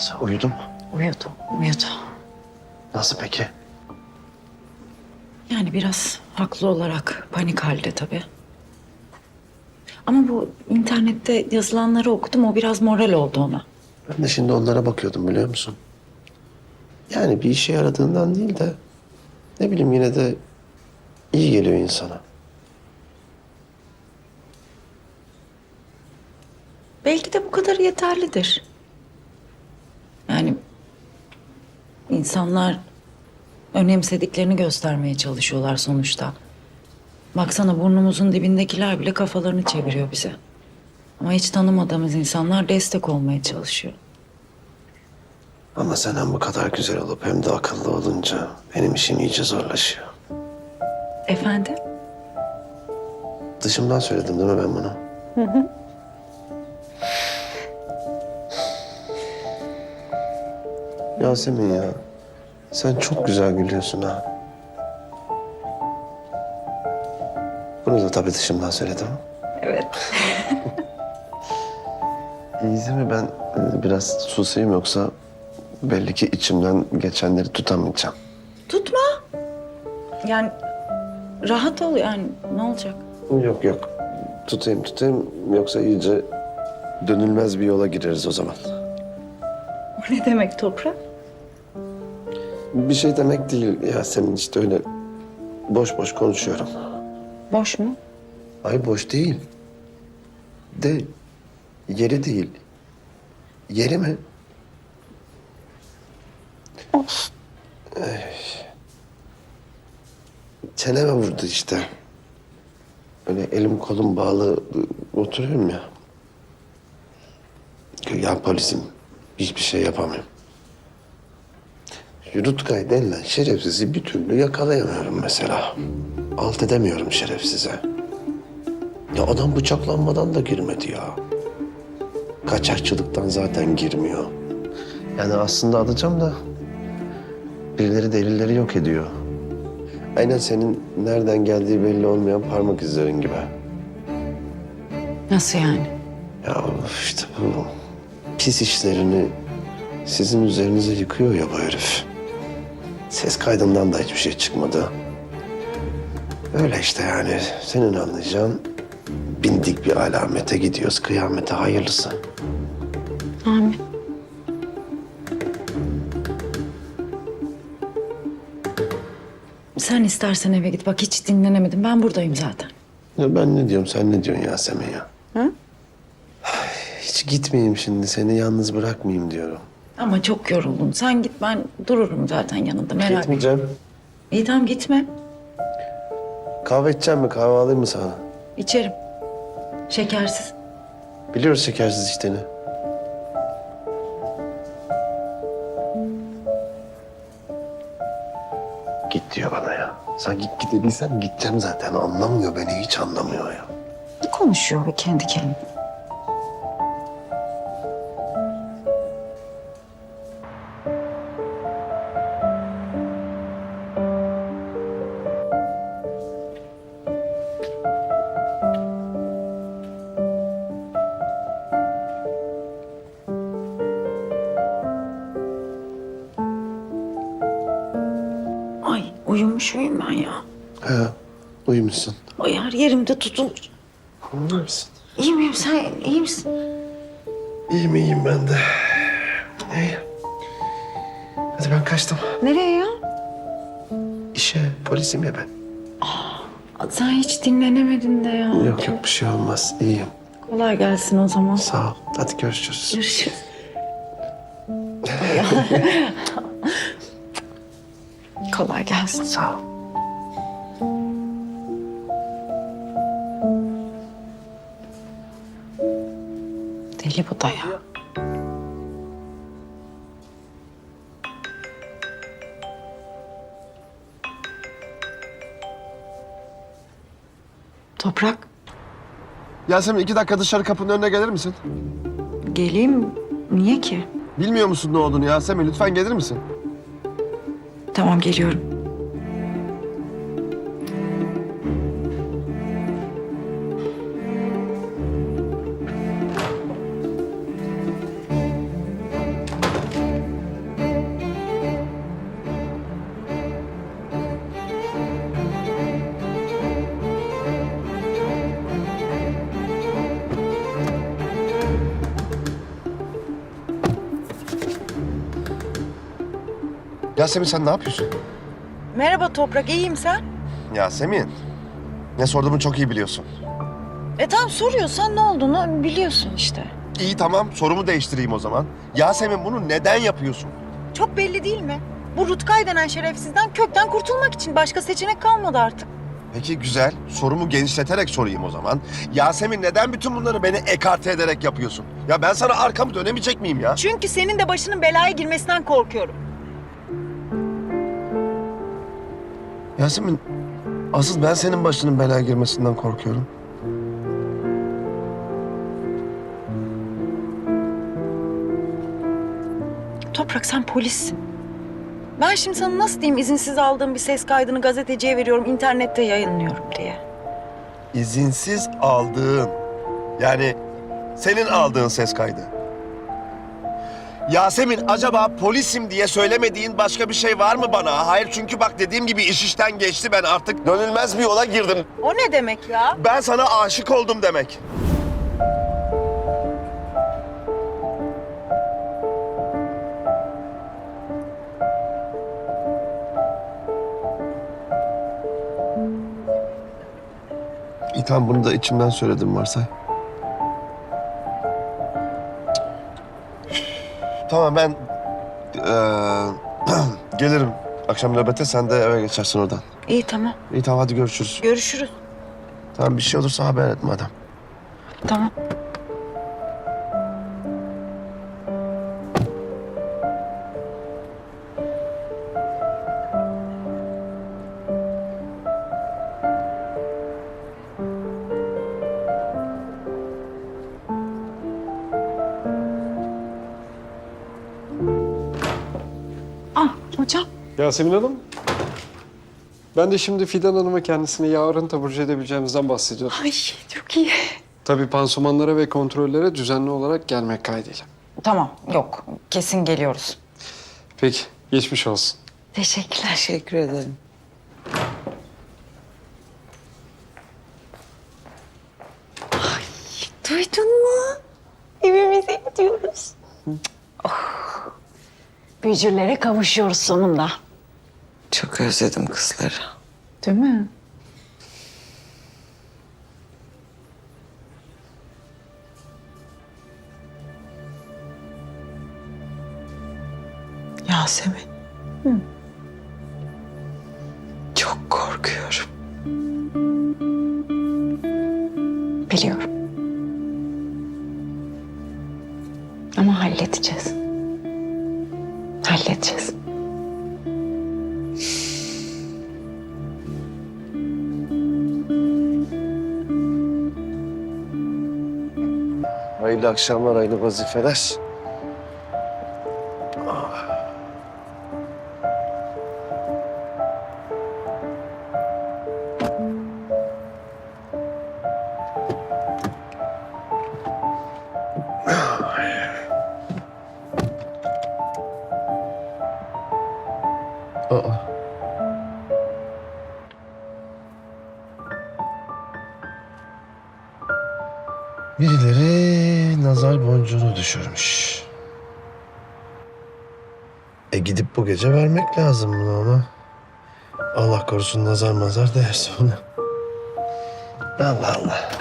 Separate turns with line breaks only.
Nasıl? Uyudum.
Uyudu.
Nasıl peki?
Yani biraz haklı olarak panik halde tabii. Ama bu internette yazılanları okudum, o biraz moral oldu ona.
Ben de şimdi onlara bakıyordum biliyor musun? Yani bir işe yaradığından değil de ne bileyim yine de iyi geliyor insana.
Belki de bu kadar yeterlidir. Yani insanlar önemsediklerini göstermeye çalışıyorlar sonuçta. Baksana burnumuzun dibindekiler bile kafalarını çeviriyor bize. Ama hiç tanımadığımız insanlar destek olmaya çalışıyor.
Ama sen hem bu kadar güzel olup hem de akıllı olunca benim işim iyice zorlaşıyor.
Efendim?
Dışımdan söyledim değil mi ben bunu? Yasemin ya, sen çok güzel gülüyorsun ha. Bunu da tabii dışımdan söyledim.
Evet.
İyi mi ben biraz susayım yoksa belli ki içimden geçenleri tutamayacağım.
Tutma. Yani rahat ol yani, ne olacak?
Yok. Tutayım yoksa iyice dönülmez bir yola gireriz o zaman.
O ne demek Toprak?
Bir şey demek değil Yasemin, işte öyle boş boş konuşuyorum.
Boş mu?
Ay boş değil. De yeri değil. Yeri mi?
Of.
Çeneme vurdu işte. Öyle elim kolum bağlı oturuyorum ya. Ya polisim. Hiçbir şey yapamıyorum. Rutkay denilen şerefsizi bir türlü yakalayamıyorum mesela. Alt edemiyorum şerefsize. Ya adam bıçaklanmadan da girmedi ya. Kaçakçılıktan zaten girmiyor. Yani aslında alacağım da birileri delilleri yok ediyor. Aynen senin nereden geldiği belli olmayan parmak izlerin gibi.
Nasıl yani?
Ya işte bu pis işlerini sizin üzerinize yıkıyor ya bu herif. Ses kaydından da hiçbir şey çıkmadı. Öyle işte yani senin anlayacağın bindik bir alamete gidiyoruz, kıyamete hayırlısı.
Amin. Sen istersen eve git. Bak hiç dinlenemedim. Ben buradayım zaten.
Ya ben ne diyorum, sen ne diyorsun Yasemin ya?
Hı?
Hiç gitmeyeyim şimdi, seni yalnız bırakmayayım diyorum.
Ama çok yoruldum. Sen git, ben dururum zaten yanında. Merak etme.
Gitmeyeceğim.
İyi tamam gitme.
Kahve içeceğim mi, kahve alayım mı sana?
İçerim. Şekersiz.
Biliyoruz şekersiz içtiğini. Git diyor bana ya. Sanki git dediysem gideceğim zaten. Anlamıyor beni, hiç anlamıyor ya.
Ne konuşuyor be kendi kendine? Ay uyumuş muyum ben ya?
He, uyumuşsun.
Ay her yerimde tutulmuş.
Uyuyor musun?
İyi miyim, sen iyi misin?
İyiyim ben de. İyi. Hadi ben kaçtım.
Nereye ya?
İşe, polisim ya ben.
Sen hiç dinlenemedin de ya.
Yok bir şey olmaz. İyiyim.
Kolay gelsin o zaman.
Sağ ol. Hadi görüşürüz.
Görüşürüz. Kolay gelsin.
Sağ ol.
Deli bu da ya. Toprak,
Yasemin 2 dakika dışarı kapının önüne gelir misin?
geleyim. Niye ki?
Bilmiyor musun ne olduğunu Yasemin? Lütfen gelir misin?
Tamam, geliyorum.
Yasemin sen ne yapıyorsun?
Merhaba Toprak, iyiyim sen?
Yasemin. Ne sorduğumu çok iyi biliyorsun.
Tamam soruyorsan ne olduğunu biliyorsun işte.
İyi tamam sorumu değiştireyim o zaman. Yasemin bunu neden yapıyorsun?
Çok belli değil mi? Bu Rutkay denen şerefsizden kökten kurtulmak için başka seçenek kalmadı artık.
Peki güzel. Sorumu genişleterek sorayım o zaman. Yasemin neden bütün bunları beni ekarte ederek yapıyorsun? Ya ben sana arkamı dönemeyecek miyim ya?
Çünkü senin de başının belaya girmesinden korkuyorum.
Yasemin, asıl ben senin başının belaya girmesinden korkuyorum.
Toprak sen polissin. Ben şimdi sana nasıl diyeyim izinsiz aldığım bir ses kaydını gazeteciye veriyorum, internette yayınlıyorum diye.
İzinsiz aldığın, yani senin aldığın ses kaydı. Yasemin acaba polisim diye söylemediğin başka bir şey var mı bana? Hayır çünkü bak dediğim gibi iş işten geçti, ben artık dönülmez bir yola girdim.
O ne demek ya?
Ben sana aşık oldum demek. İyi tamam bunu da içimden söyledim varsay. Tamam ben gelirim. Akşam nöbete sen de eve geçersin oradan.
İyi tamam.
İyi tamam hadi görüşürüz.
Görüşürüz.
Tamam bir şey olursa haber et madem.
Tamam. Hocam.
Yasemin Hanım. Ben de şimdi Fidan Hanım'a kendisine yarın taburcu edebileceğimizden bahsediyordum.
Ay çok iyi.
Tabii pansumanlara ve kontrollere düzenli olarak gelmek kaydıyla.
Tamam yok kesin geliyoruz.
Peki, geçmiş olsun.
Teşekkürler.
Teşekkür ederim.
Duydun mu? Evimize gidiyoruz. Büyücülere kavuşuyoruz sonunda.
Çok özledim kızları.
Değil mi?
Yasemin. Çok korkuyorum.
Biliyorum. Ama halledeceğiz. Halledeceğiz.
Hayırlı akşamlar, hayırlı vazifeler. Aa. Birileri nazar boncuğunu düşürmüş. Gidip bu gece vermek lazım bunu ama. Allah korusun nazar mazar değerse ona. Allah Allah.